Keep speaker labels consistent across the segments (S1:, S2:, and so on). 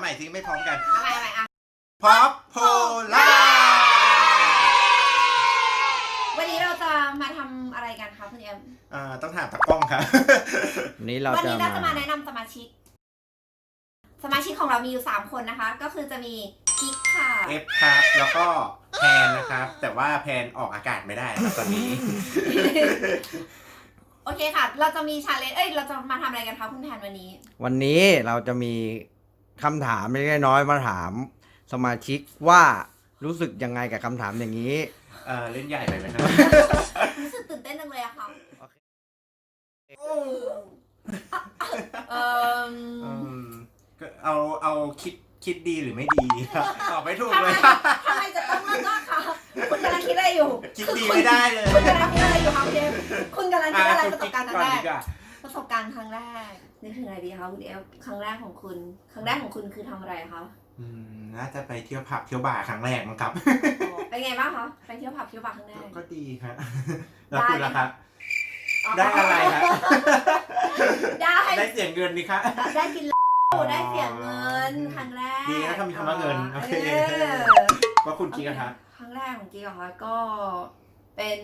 S1: ม่สิไม่พร้อมกัน
S2: อะไรอ่ะ
S1: พ็อปโพล่า
S2: วันนี้เราจะมาทำอะไรกันคะคุณเอ็ม
S1: ต้องถามตากล้องครับ
S3: วันนี้เรา
S2: จะมาแนะนำสมาชิกของเรามีอยู่3คนนะคะก็คือจะมีกิ๊กค่ะ
S1: เอฟครับแล้วก็แพนนะครับแต่ว่าแพนออกอากาศไม่ได้ครับตอนนี้
S2: โอเคค่ะเราจะมีชาเลนจ์เราจะมาทำอะไรกันคะคุณแพนวัน
S3: นี้เราจะมีคำถามเล็กน้อยมาถามสมาชิกว่ารู้สึกยังไงกับคำถามอย่างนี้
S1: เล่นใหญ่ไปไหมครับ
S2: รู้สึกตื่นเต้นจังเลยอะค่ะ
S1: เอาคิดดีหรือไม่ดีตอบไม่ถูกเลย
S2: ทำไมจะต้องเลือกคะคุณกำลังคิดอะไรอยู่
S1: คิดดีไม่ได้เลย
S2: คุณกำลังคิดอะไรอยู่ครับเจมคุณกำลังคิดอะไรประสบการณ์ครั้งแรกครั้งแรกนึกถึงอะไรดีคะคุณเอลครั้งแรกของคุณคือทำอะไรคะ
S1: น่าจะไปเที่ยวผับเที่ยวบาร์ครั้งแรกมั้งครับ
S2: เป็นไงบ้างคะไปเที่ยวผับเที่ยวบาร์ครั้งแรก
S1: ก็ดีครับแล้วคุณล่ะครับได้อะไรครับได้เสียงเงินนี่ครับ
S2: ได้กินได้เสียเงินครั้งแรก
S1: ดีนะถ้ามีคำว่าเงินโอเคว่าคุณกิ๊กครับ
S2: ครั้งแรกของกิ๊กเหรอคะก็เป็น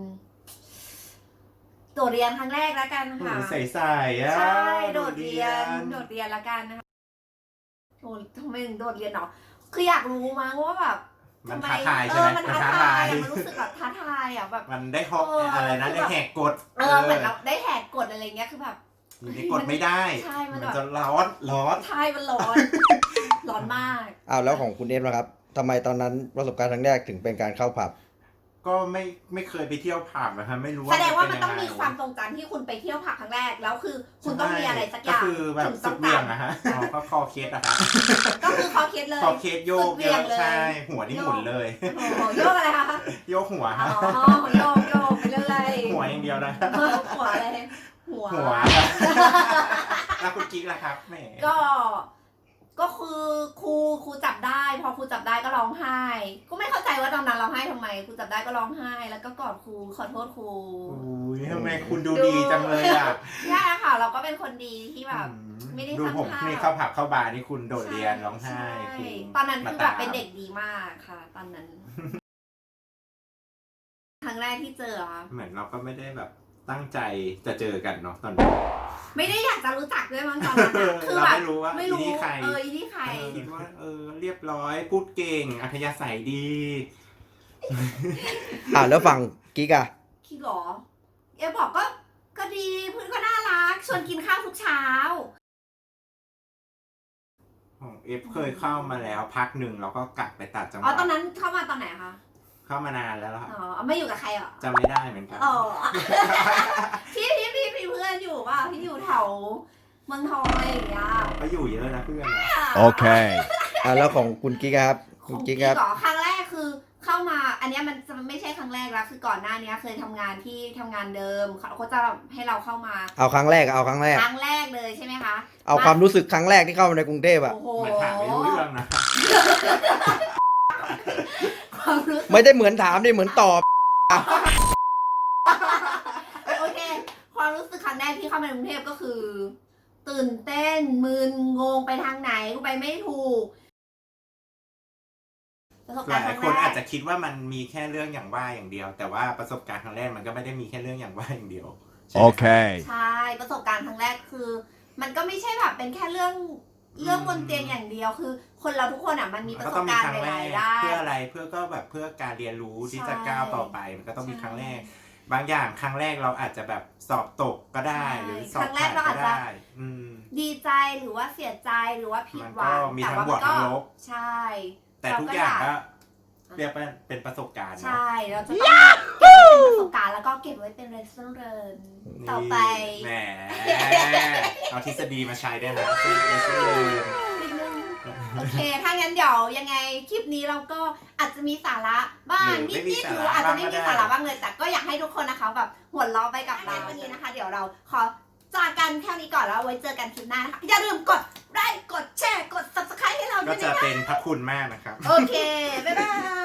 S2: โดดเรียนครั้งแรกแล้วกันค่ะ
S1: ใส่
S2: ใช่โดดเรียนแล้วกันนะคะโอ้ทำไมถึงโดดเรียนเนาะคืออยากรู้มั้งว่าแบบ
S1: มันท้าทายใช่ไหม
S2: มันท้าทายมันรู้สึกแบบท้าทายอ่ะแบบ
S1: มันได้ฮอกอะไรนะได้แหกกฎ
S2: เหมือนเราได้แหกกฎอะไรเงี้ยคือแบบ
S1: นี่กดไม่ได้
S2: ใช่มัน
S1: จะร้อน
S2: ใช่มันร้อนมาก
S3: แล้วของคุณเอฟนะครับทำไมตอนนั้นประสบการณ์ครั้งแรกถึงเป็นการเข้าผับ
S1: ก็ไม่เคยไปเที่ยวผับนะครับไม่รู้
S2: แสดงว่ามันต้องมีความทรงจำที่คุณไปเที่ยวผับครั้งแรกแล้วคือคุณต้องมีอะไรสักอย่าง
S1: ก็คือแบบสุดเบี่ยงนะฮะก็คอเคสนะครับ
S2: ก็คือคอเคสเลย
S1: คอเคสโยกเยอะใช่หัวนี่หมุนเลย
S2: โยกอะไรคะ
S1: โยกหัวครับ
S2: โยกไปเรื่อย
S1: หัวอย่างเดียวนะ
S2: หัวอะไรหัว
S1: แล้วคุณกิ๊กล่ะครับแหม
S2: ก็คือครูจับได้พอครูจับได้ก็ร้องไห้ก็ไม่เข้าใจว่าตอนนั้นร้องไห้ทำไมครูจับได้ก็ร้องไห้แล้วก็กอดครูขอโทษครู
S1: อุ้ยทำไมคุณดูดีจังเลยอ่ะ
S2: ใช่ค่ะเราก็เป็นคนดีที่แบบไม่ได้
S1: ทำดูผมนี่เข้าผับเข้าบาร์นี่คุณโดดเรียนร้องไห้
S2: ตอนนั้นคือแบบเป็นเด็กดีมากค่ะตอนนั้นครั้งแรกที่เจอ
S1: เหมือนเราก็ไม่ได้แบบตั้งใจจะเจอกันเนาะตอนนี้
S2: ไม่ได้อยากจะรู้จักด้วยมั้งตอนนั้น
S1: คือแบบไม่รู้ว่า
S2: อีนี่ใคร
S1: คิดว่าเรียบร้อยพูดเก่งอัธยาศัยดี
S3: แล้วฝั่งกิ๊กอะ
S2: คิดหรอบอกก็ดีเพื่อนก็น่ารักชวนกินข้าวทุกเช้า
S1: ของเอฟเคยเข้ามาแล้วพักหนึ่งแล้วก็กลับไปตัดจังหวัด
S2: ตอนนั้นเข้ามาตอนไหนคะ
S1: เข้ามานานแล้วครับ
S2: ไม่อยู่กับใครหรอ
S1: จำไม่ได้เหมือนกัน
S2: พี่เพื่อนอยู่ป่ะพี่อยู่แถวเมืองทองอะไรอย่างเงี้ย
S1: ก็อยู่เยอะนะเพื่อน
S3: โอเคแล้วของคุณกิ๊กครับ
S2: คุณกิ๊กครับครั้งแรกคือเข้ามาอันนี้มันจะไม่ใช่ครั้งแรกแล้วคือก่อนหน้านี้เคยทำงานที่ทำงานเดิมเขาจะให้เราเข้ามา
S3: เอาครั้งแรก
S2: เลยใช่ไหมคะ
S3: เอาความรู้สึกครั้งแรกที่เข้ามาในกรุงเทพอะ
S1: เหมือนถามไม่รู้เรื่องนะ
S3: ไม่ได้เหมือนถามดิเหมือนตอบ
S2: โอเคความรู้สึกครั้งแรกที่เข้ามาในกรุงเทพก็คือตื่นเต้นมึนงงไปทางไหนกูไปไม่ถูก
S1: หลายคนอาจจะคิดว่ามันมีแค่เรื่องอย่างว่าอย่างเดียวแต่ว่าประสบการณ์ครั้งแรกมันก็ไม่ได้มีแค่เรื่องอย่างว่าอย่างเดียว
S3: โอเค
S2: ใช่ประสบการณ์ครั้งแรกคือมันก็ไม่ใช่แบบเป็นแค่เรื่องบนเตียงอย่างเดียวคือคนเราทุกคนมันมีประสบการณ์หลายๆด้าน
S1: เพื่ออะไรเพื่อก็แบบเพื่อการเรียนรู้ที่จะก้าวต่อไปมันก็ต้องมีครั้งแรกบางอย่างครั้งแรกเราอาจจะแบบสอบตกก็ได้หรือสอบผ่านก็ได้
S2: ดีใจหรือว่าเสียใจหรือว่าผิดหวัง
S1: มีทั้งบวกทั้งลบ
S2: ใช่
S1: แต่ทุกอย่างก็เรียกเป็นประสบการณ์
S2: ใช่เราจะต้องเก็บเป็นประสบการณ์แล้วก็เก็บไว้เป็นเรฟเฟอเรนซ์ต่อไป
S1: แหมเอาทฤษฎีมาใช้ได้นะ
S2: โอเคถ้างั้นเดี๋ยวยังไงคลิปนี้เราก็อาจจะมีสาระบ้างนิดๆหรืออาจจะไม่มีสาระบ้างเลยแต่ก็อยากให้ทุกคนนะคะแบบหัวเราะไปกับเราวันนี้นะคะเดี๋ยวเราขอจากกันแค่นี้ก่อนแล้วไว้เจอกันคลิปหน้านะคะอย่าลืมกดไลค์กดแชร์กด Subscribe ให้เราด้วย
S1: นะคะก็จะเป็นพระคุณมากนะครับ
S2: โอเคบ๊ายบาย